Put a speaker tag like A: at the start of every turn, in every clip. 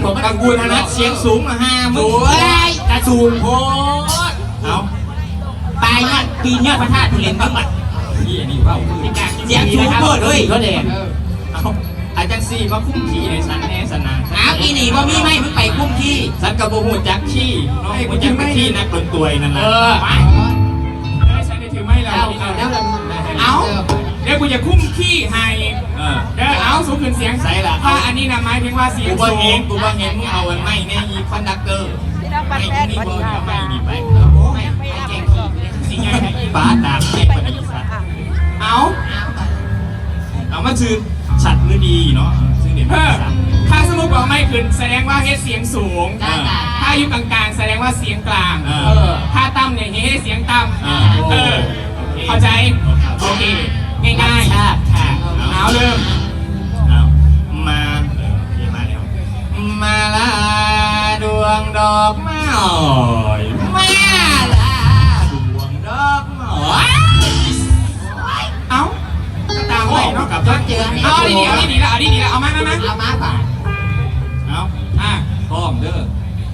A: ผมกังวลนะเสียงสูงมาห้ามึงกระสูงโคตรเอาตายเนี่ยปีเนี่ยพระธาตุเห็นบ้างมั้ยนี่อันนี้ว่าเสียงสูงโคตรเลยเขาเด่นเอาอาจารย์ซีมาคุ้มขี่ในสันแน่สนานอ้าวอีนี่ว่ามีไหมมึงไปคุ้มขี่สันกระโบหูจักขี่น้องหูจักไปขี่นักดนตรีนั่นแหละ
B: ฉันได้ถือไม่แล้วเอาเดี๋ยวกูจะคุ้มขี้ให้เดี๋ยวเอาสูงขึ้นเสียงใส่ละถ้าอันนี้นะหมายถึงว่าเสียงสูง
A: กูว่าเห็นมึงเอาอันไม่เนี่ยยีคอนดักเตอร์ไม่นี่บอลไม่นี่ไปไม่แกงขี้สิ่งใหญ่ป้าตามแกงปฏิสัตว์เอามาชื่อฉัดหรือดีเนาะซึ่งเดี๋ยว
B: ถ้าสมมติว่าไม่ขึ้นแสดงว่าเฮ็ดเสียงสูงถ้าอยู่กลางๆแสดงว่าเสียงกลางถ้าต่ำเนี่ยเฮ็ดเสียงต่ำเข้าใจโอเคง่ายๆค่ะเอาเริ่ม
A: มาแล้วมาลาดวงดอกไม้มาลาดวงดอกไม้
B: เอาตามไปเนาะกับเจอเอาดีๆเอามา
A: ป่ะเอาพร้อมเด้อ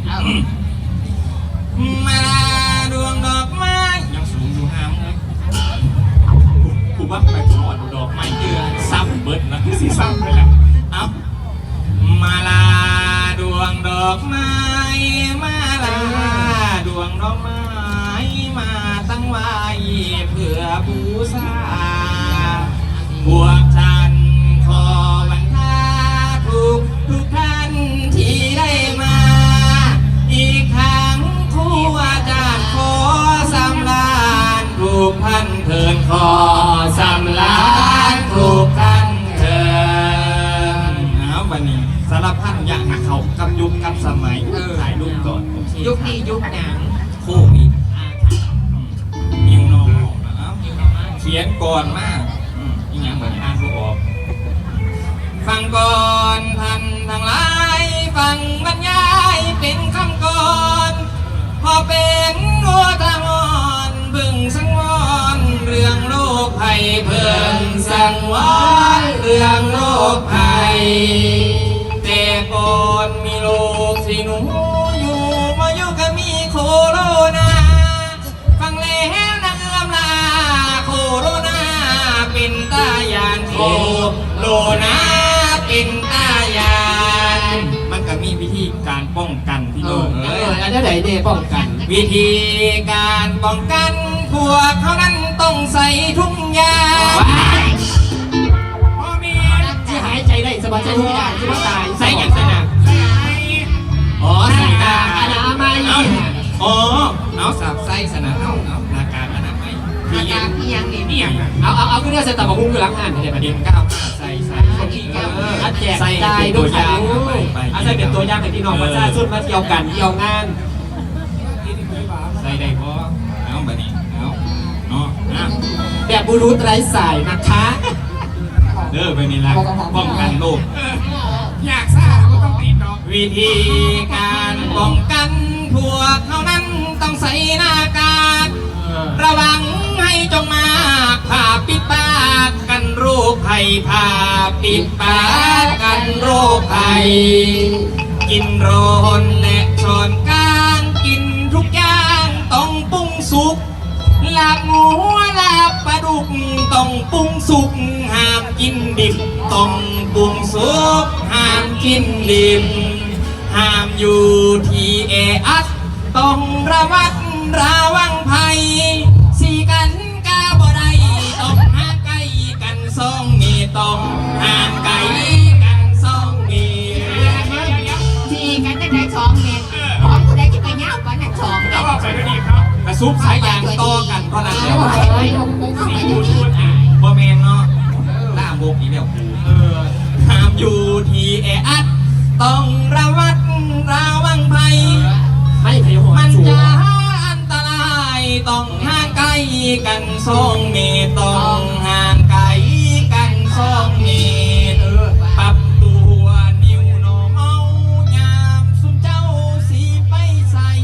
A: มาลาดวงดอกไม้ยังสูงอยู่ห้ามเลยกูว่าไปถอดดอกไม้เจือซ้ำเบิดนะ
B: สีซ้ำเลยแหละ
A: เอามาลาดวงดอกไม้มาลาดวงดอกไม้มาตั้งไว้เพื่อบูชาพวกฉันขอบันทาทุกท่านที่ได้มาอีกครั้งครูอาจารย์ขอสำราญทุกท่านเถิดขอสำราญทุกท่านเถิดวันนี้สารพัดอย่างนักเขากำยุคกำสมัยถ่ายรูปก่อน
B: ยุคนี้ยุคหนัง
A: โควิดนิวนอร์มอลเขียนก่อนมากอีกอย่างเหมือนอ่านก็ออกฟังก่อนท่านทั้งหลายฟังบรรยายเป็นคำก่อนพอเป็นหัวตามอนบึงสังวรเรื่องโรคภัยเพิ่งสังวรเรื่องโรคภัยแต่ก่อนมีโรคสิหนูอยู่มาอยู่ก็มีโคโรนาฟังแล้วนะลาโคโรนาเป็นตายานโคโรนาเป็นตายานมันก็มีวิธีการป้องกันที่โลก
B: อันนี้ไหนเด้ป้องกัน
A: วิธีการป้องกันพวกเขานั้นต้องใส่ทุ่งยาง
B: พ่อแม่
A: ที่หายใจได้สบายใจทุกอย่างที่ว่าตายใส่อย่างสนามใส่ตาอนามัยเอาสับใส่สนามเอาหน้ากากอนามัย
B: ที่ยังนี่
A: เอาขึ้นเนี่ยใส่ตาบะกุ้งอยู่หลังงานเดี๋ยวประเดี๋ยวก้าวใส่แจกใจตัวอย่างใส่เป็นตัวอย่างให้พี่น้องประชาชนมาเที่ยวกันเที่ยวงานใส่ได้พอเอาแบบนี้เอาเนาะ
B: แบบบลูทูธไร้สายนะคะ
A: เด้อไปนี่ละป้องกันโรค
B: อยากทราบก็ต้องติดดอก
A: วิธีการป้องกันพวกเขานั้นต้องใส่หน้ากากระวังให้จงมาผ่าปิดปากกันโรคภัยผ่าปิดปากกันโรคภัยกินร้อนและช้อนกลางกินทุกอย่างต้องปรุงสุกลาบหมูลาบปลาดุกต้องปรุงสุกห้ามกินดิบต้องปรุงสุกห้ามกินดิบห้ามอยู่ที่แออัดต้องระมัดระวังภัยสีกันกาบ่ได้ต้องห่างไกลกัน2 เมตรต้องห่างไกลกัน2 เมตร
C: สีกันได้2 เมตรของกูได้จะไปเงากันนั่น2 เมตร
B: แล้วบอกไปด้วยดีครับ
A: กระซุบสายยางต่อกันเพราะนั้นแล้ว
B: สีบูทูธ
A: บ่แมนเนาะหน้าโบกอีแล้วห้ามอยู่ที่แออัดต้องระมัดระวังภัยมันจะอันตรายต้องห่างไกลกัน2 เมตรต้องห่างไกลกัน2 เมตรปรับตัวนิ้วนอเมายามสุนเจ้าสีไปใส่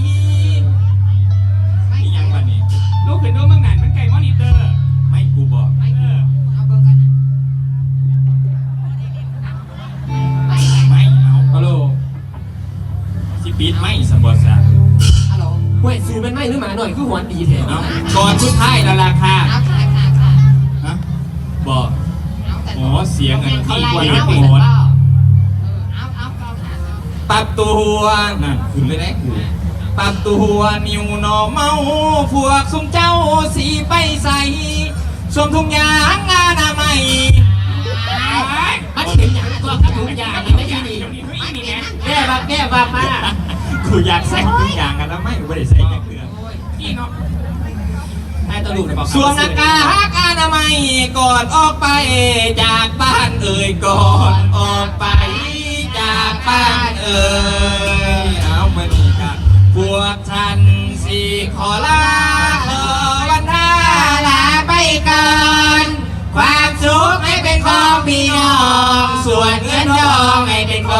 A: ยังวันนี้
B: ลูกขึ้นดูเมืองไหนมันไก่มอนิเตอร์
A: ไม่กูบอก
C: เอาเบอร์กัน
A: ไม่เอาฮัลโหลดท้ายแล้วล่ะค่ะ
C: เอาค่ะค่ะค่ะ
D: ฮะบอก
C: เอาแต่
D: อ๋อเสียงอัน
C: เขา
D: ที่
C: ไล่
D: กว่า
C: เอา
D: โห
C: แต่
D: ด
C: ก็เอาค่ะ
A: ปรับตัว
D: นั่นคุณเลยนะกู
A: ปรับตัวนิวนอเมาพวกซุ่มเจ้าสีไปใส่สวมถุงยางอนามัย
C: มันถึงอย่างตัวกระถุงยางนี่ไม่ใช่ดี
A: แก้บักมา
D: กูอยากใส่ทุกอย่างกันแล้วไม่ไม่ได้ใส่แค่เครื่อง
B: พี่เนาะ
A: ให้ตลุกเลยบอกสวมหน้ากากอนามัยก่อนออกไปจากบ้านเอ่ยก่อนออกไปจากบ้านเอ่ยเอามานี่กันพวกฉันสี่ขอลาขอวันหน้าลาไปก่อนความสุขให้เป็นของพี่น้องส่วนเงินทองให้เป็นของ